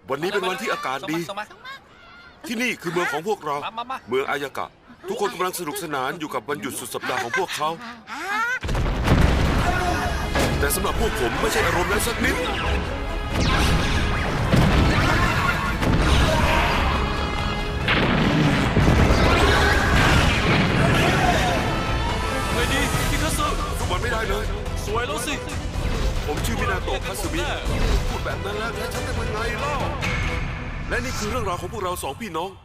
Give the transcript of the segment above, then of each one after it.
วันนี้เป็นวันที่อากาศดีที่นี่คือเมืองของพวกเราเมืองอายากะทุกคนกำลังสนุกสนานอยู่กับวันหยุดสุดสัปดาห์ของพวกเขาแต่สำหรับพวกผมไม่ใช่อารมณ์นั้นสักนิดไม่ดีพี่คัตสึทุกวันไม่ได้เลยสวยแล้วสิผมชื่อมินาโตะคัตสึมิพูดแบบนั้นแล้วฉันจะเป็นไงเล่าและนี่คือเรื่องราวของพวกเราสองพี่น้อง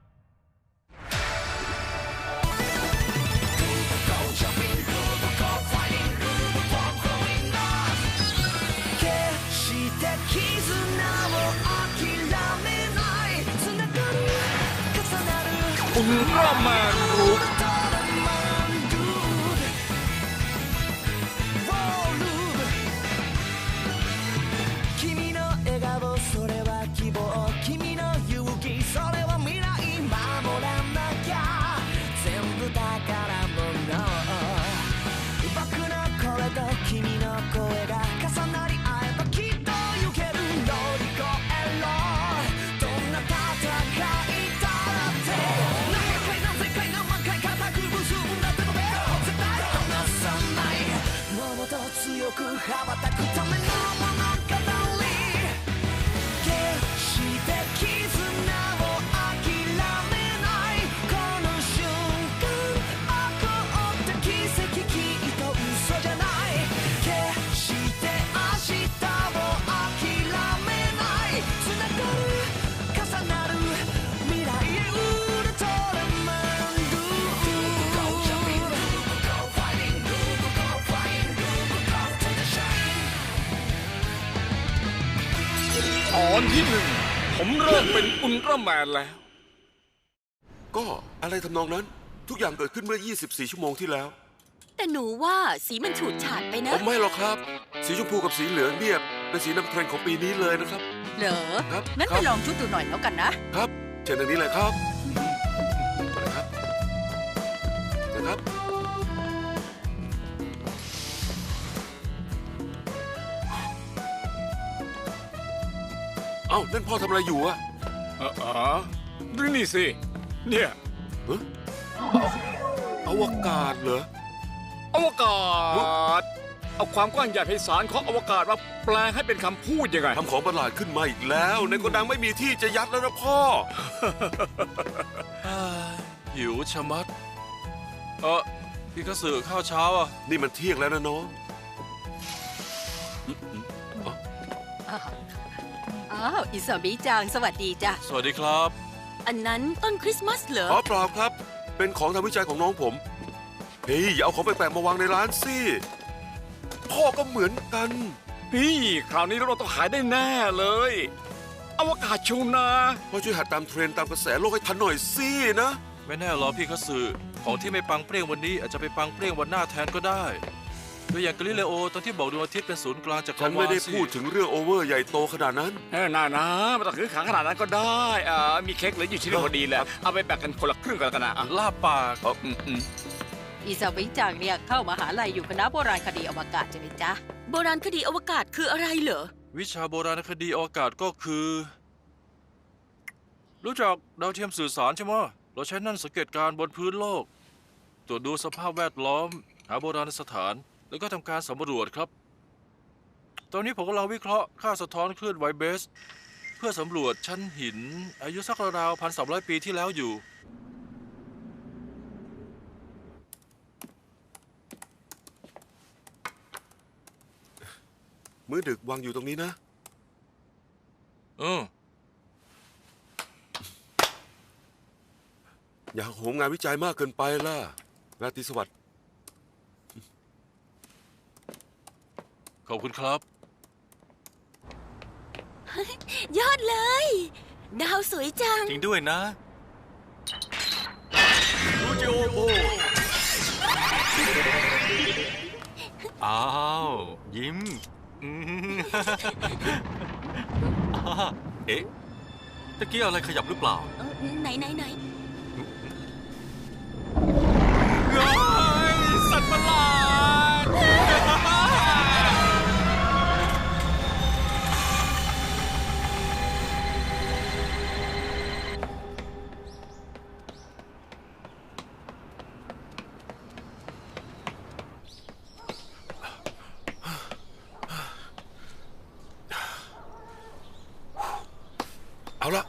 อุลตร้าแมนรูปตอนที่หนึ่งผมเริ่มเป็นอุลตร้าแมนแล้วก็อะไรทำนองนั้นทุกอย่างเกิดขึ้นเมื่อ24ชั่วโมงที่แล้วแต่หนูว่าสีมันฉูดฉาดไปนะไม่หรอกครับสีชมพูกับสีเหลืองเนี่ยเป็นสีนำเทรนด์ของปีนี้เลยนะครับเหรอครับงั้นไปลองชุดดูหน่อยแล้วกันนะครับเชิญทางนี้เลยครับนะครับเอ้านั่นพ่อทำอะไรอยู่อะดูนี่สิเนี่ยอวกาศเหรออวกาศเอาความกว้างใหญ่ไพศาลของอวกาศมาแปลให้เป็นคำพูดยังไงทำของประหลาดขึ้นมาอีกแล้วในโกดังไม่มีที่จะยัดแล้วนะพ่อหิวชะมัดพี่คัตสึข้าวเช้าอ่ะนี่มันเที่ยงแล้วนะน้องอ้าวอิซามิจังสวัสดีจ้ะสวัสดีครับอันนั้นต้นคริสต์มาสเหรอเปล่าครับเป็นของทางวิจัยของน้องผมเฮ้ยอย่าเอาของแปลกๆมาวางในร้านสิพ่อก็เหมือนกันพี่คราวนี้เราต้องขายได้แน่เลยอวกาศชูนาพ่อช่วยหัดตามเทรนด์ตามกระแสโลกให้ทันหน่อยสินะไม่แน่หรอพี่คัตสึของที่ไม่ปังเปรี้ยงวันนี้อาจจะไปปังเปรี้ยงวันหน้าแทนก็ได้ตัวอย่างกาลิเลโอตอนที่บอกดวงอาทิตย์เป็นศูนย์กลางจักรวาลฉันไม่ได้พูดถึงเรื่องโอเวอร์ใหญ่โตขนาดนั้นน่าไม่ต้องถือขังขนาดนั้นก็ได้มีเค้กเหลืออยู่ชิ้นพอดีแหละเอาไปแบ่งกันคนละครึ่งกันนะลาบปากอิซามิจังเนี่ยเข้ามหาลัยอยู่คณะโบราณคดีอวกาศใช่ไหมจ๊ะโบราณคดีอวกาศคืออะไรเหรอวิชาโบราณคดีอวกาศก็คือรู้จักดาวเทียมสื่อสารใช่ไหมเราใช้นั่นสังเกตการบนพื้นโลกตรวจดูสภาพแวดล้อมหาโบราณสถานแล้วก็ทำการสำรวจครับตอนนี้ผมกำลังวิเคราะห์ค่าสะท้อนคลื่นไวเบสเพื่อสำรวจชั้นหินอายุสักราว1,300 ปีที่แล้วอยู่มื้อดึกวางอยู่ตรงนี้นะอย่าโหมงานวิจัยมากเกินไปล่ะราตรีสวัสดิ์ขอบคุณครับยอดเลยดาวสวยจังจริงด้วยนะดูจิโอโบอ้าวยิ้มเอ๊ะตะกี้อะไรขยับหรือเปล่าไหนสัตว์ประหลาดเอาละ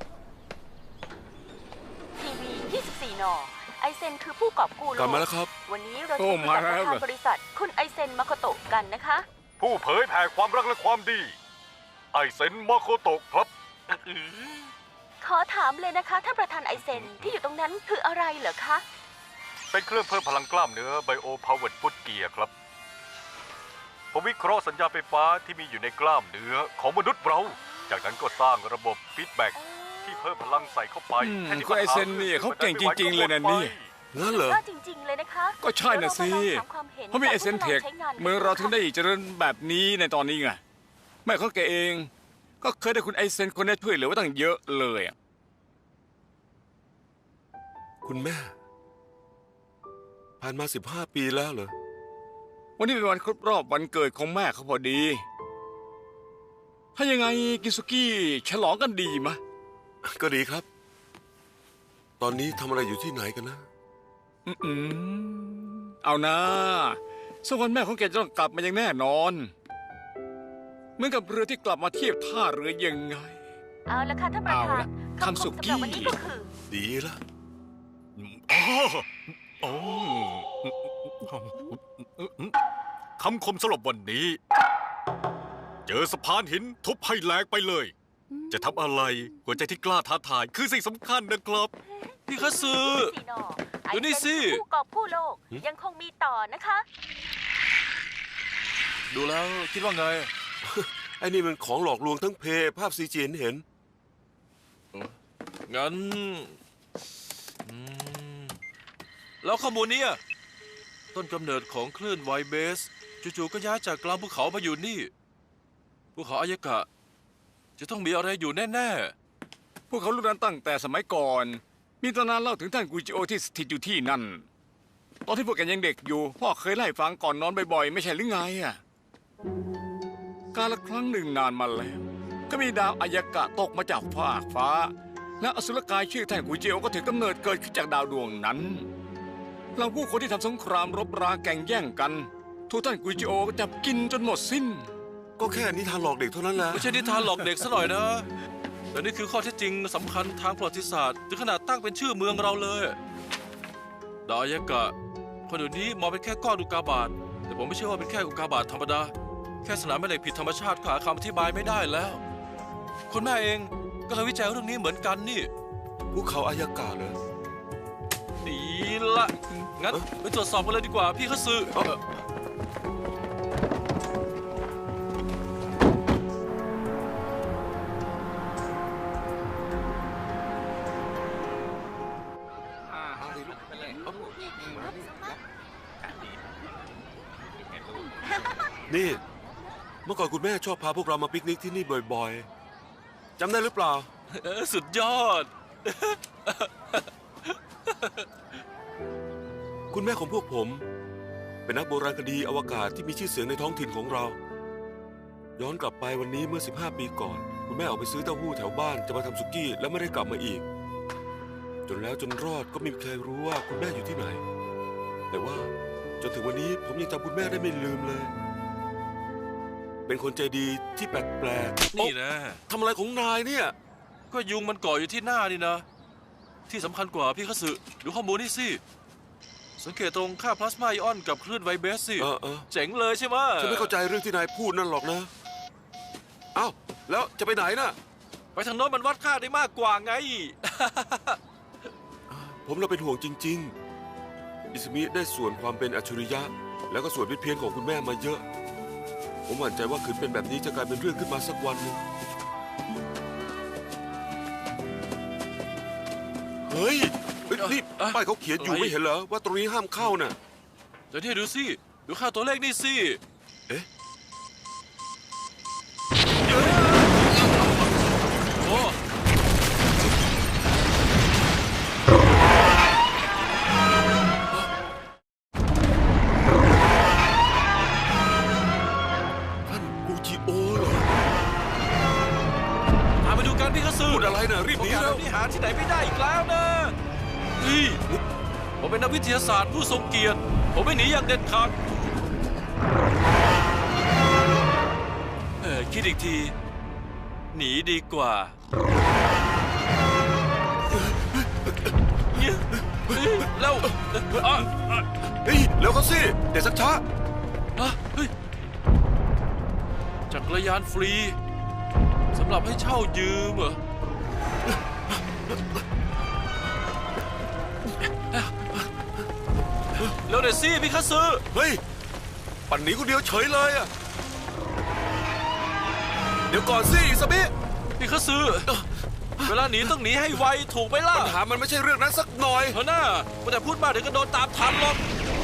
ทีวี24 น. ไอเซนคือผู้กอบกู้โลกลับมาแล้วครับวันนี้เราจะคุยกับประธานบริษัทคุณไอเซนมาโคโตะกันนะคะผู้เผยแผ่ความรักและความดี ไอเซนมาโคโตะครับขอถามเลยนะคะท่านประธานไอเซนที่อยู่ตรงนั้นคืออะไรเหรอคะเป็นเครื่องเพิ่มพลังกล้ามเนื้อไบโอพาวเวอร์ฟุตเกียร์ครับผมวิเคราะห์สัญญาณไฟฟ้าที่มีอยู่ในกล้ามเนื้อของมนุษย์เรา จากนั้นก็สร้างระบบฟีดแบ็กที่เพิ่มพลังใส่เข้าไปแทนที่คุณไอเซนนี่เขาเก่งจริงๆเลยนะนี่งั้นเหรอก็จริงๆเลยนะคะก็ใช่น่ะสิเพราะมีไอเซนเทคเมืองเราถึงได้เจริญแบบนี้ในตอนนี้ไงแม่เขาแกเอง ก็เคยได้คุณไอเซนคนนี้ช่วยเหลือไว้ตั้งเยอะเลยอะคุณแม่ ผ่านมา15 ปีแล้วเหรอวันนี้เป็นวันครบรอบวันเกิดของแม่เขาพอดี ถ้ายังไงกินสุกี้ฉลองกันดีมะก็ดีครับ ตอนนี้ทำอะไรอยู่ที่ไหนกันนะเอานะสักวันแม่ของแกจะต้องกลับมาอย่างแน่นอน เหมือนกับเรือที่กลับมาเทียบท่าเรือยังไงเอาละค่ะท่านประธาเอานละคำคมทำสุกี้สำหรับวันนี้ก็คือดีละคำคมสำหรับวันนี้ เจอสะพานหินทุบให้แหลกไปเลย จะทำอะไรหัวใจที่กล้าท้าทายคือสิ่งสำคัญนะครับพี่คัตสึ 4 น. ดูนี่สิไอเซนคือผู้กอบกู้โลกยังคงมีต่อนะคะดูแล้วคิดว่าไงไอ้นี่มันของหลอกลวงทั้งเพภาพซีจีเห็นงั้นแล้วข้อมูลเนี้ยต้นกำเนิดของคลื่นไวเบสจู่ๆก็ย้ายจากกลางภูเขามาอยู่นี่ภูเขาอายากะ จะต้องมีอะไรอยู่แน่พวกเขารู้นั้นตั้งแต่สมัยก่อน มีตำนานเล่าถึงท่านกุจิโอที่สถิตอยู่ที่นั่น ตอนที่พวกแกยังเด็กอยู่ พ่อเคยไล่ฟังก่อนนอนบ่อยๆ ไม่ใช่หรือไงอ่ะกาลครั้งหนึ่งนานมาแล้ว ก็มีดาวอายากะตกมาจากฟากฟ้า และอสุรกายชื่อท่านกุจิโอก็ถือกำเนิดเกิดขึ้นจากดาวดวงนั้นเราผู้คนที่ทำสงครามรบราแข่งแย่งกันถูกท่านกุจิโอจับกินจนหมดสิ้นก็แค่นิทานหลอกเด็กเท่านั้นแหละๆไม่ใช่นิทานหลอกเด็กซะหน่อยนะแต่นี่คือข้อเท็จจริงสำคัญทางประวัติศาสตร์ถึงขนาดตั้งเป็นชื่อเมืองเราเลยดาวอายากะคนเดี๋ยวนี้มองเป็นแค่ก้อนอุกกาบาตแต่ผมไม่เชื่อว่าเป็นแค่อุกกาบาตธรรมดาแค่สนามแม่เหล็กผิดธรรมชาติก็หาคำอธิบายไม่ได้แล้วคุณแม่เองก็เคยวิจัยเรื่องนี้เหมือนกันนี่ภูเขาอายากาเหรอดีละงั้นไปตรวจสอบกันเลยดีกว่าพี่คัตสึนี่ เมื่อก่อนคุณแม่ชอบพาพวกเรามาปิกนิกที่นี่บ่อยๆ จำได้หรือเปล่าสุดยอดคุณแม่ของพวกผม เป็นนักโบราณคดีอวกาศที่มีชื่อเสียงในท้องถิ่นของเรา ย้อนกลับไปวันนี้เมื่อ15 ปีก่อน คุณแม่ออกไปซื้อเต้าหู้แถวบ้านจะมาทำสุกี้แล้วไม่ได้กลับมาอีก จนแล้วจนรอดก็ไม่มีใครรู้ว่าคุณแม่อยู่ที่ไหน แต่ว่าจนถึงวันนี้ผมยังจำคุณแม่ได้ไม่ลืมเลย เป็นคนใจดีที่แปลกๆนี่นะทำอะไรของนายเนี่ยก็ยุงมันเกาะอยู่ที่หน้านี่นะ ที่สำคัญกว่าพี่คัตสึดูข้อมูลนี่สิ สังเกตตรงค่าพลาสมาไอออนกับคลื่นไวเบสสิ เจ๋งเลยใช่ไหมฉันไม่เข้าใจเรื่องที่นายพูดนั่นหรอกนะ เอ้า แล้วจะไปไหนน่ะไปทางโน้นมันวัดค่าได้มากกว่าไงผมเราเป็นห่วงจริง ๆ อิสมิได้ส่วนความเป็นอัจฉริยะ แล้วก็ส่วนผิดเพี้ยนของคุณแม่มาเยอะ ผมหวั่นใจว่าขืนเป็นแบบนี้จะกลายเป็นเรื่องขึ้นมาสักวันหนึ่งเฮ้ยนี่ป้ายเขาเขียนอยู่อะไรไม่เห็นเหรอว่าตรงนี้ห้ามเข้าน่ะเดี๋ยวนี่ดูสิ ดูค่าตัวเลขนี่สิเอ๊ะโอ้ท่านกูจิโอเหรอตามไปดูกันพี่คัตสึพูดอะไรน่ะรีบหนีโอกาสแล้แบวบนี้หาที่ไหนไม่ได้อีกแล้วนะเฮ้ยผมเป็นนักวิทยาศาสตร์ผู้ทรงเกียรติ ผมไม่หนีอย่างเด็ดขาดคิดอีกทีหนีดีกว่าแล้วเฮ้ยเร็วเข้าสิเดี๋ยวสักช้าเฮ้ยจักรยานฟรีสำหรับให้เช่ายืมเหรอเร็วหน่อยสิพี่คัสซึเฮ้ยปั่นหนีคนเดียวเฉยเลยอะเดี๋ยวก่อนสิอิซาบิพี่คัสซึเวลาหนีต้องหนีให้ไวถูกไหมล่ะปัญหามันไม่ใช่เรื่องนั้นสักหน่อยเฮ้ยน่าแต่พูดมากเดี๋ยวก็โดนตามทันหรอก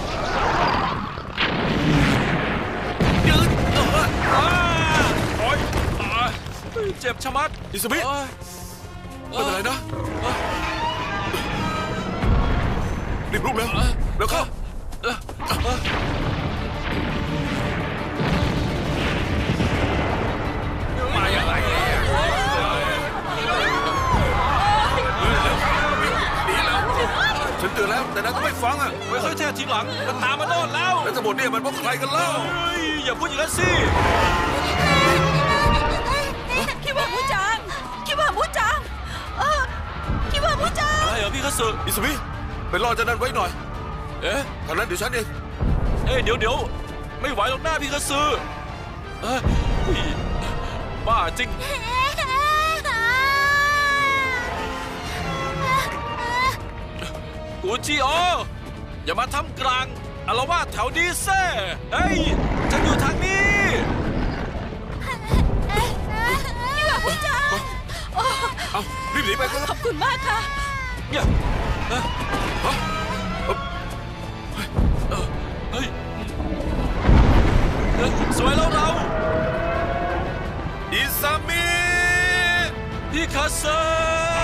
ยืนโอ๊ยเจ็บชะมัดอิซาบิไม่เป็นไรนะรีบลุกแล้วเร็วเข้ามาอย่างไรเนี่ยหนีแล้วฉันเตือนแล้วแต่นายก็ไม่ฟังอ่ะไม่ค่อยแท้ทีหลังมันตามมาโน่นแล้วแล้วทั้งหมดเนี่ยมันเพราะใครกันเล่าเฮ้ยอย่าพูดอย่างนั้นสิคิดว่ามูจังคิดว่ามูจังคิดว่ามูจังอะไรเหรอพี่คัสซึอิซาบิไปรอเจะนั่นไว้หน่อยเอ๊ะทางนั้นเดี๋ยวฉันเองเดี๋ยวไม่ไหวหรอกหน้าพี่คัสซึบ้าจริงกูจิโออย่ามาทำกลางอารวาสแถวนี้เซ่เฮ้ยฉันอยู่ทางนี้คิดว่ามูจังเอารีบหนีไปกันขอบคุณมากค่ะเนี่ยเฮ้ยสวยแล้วเราอิซามิพี่คัสซึ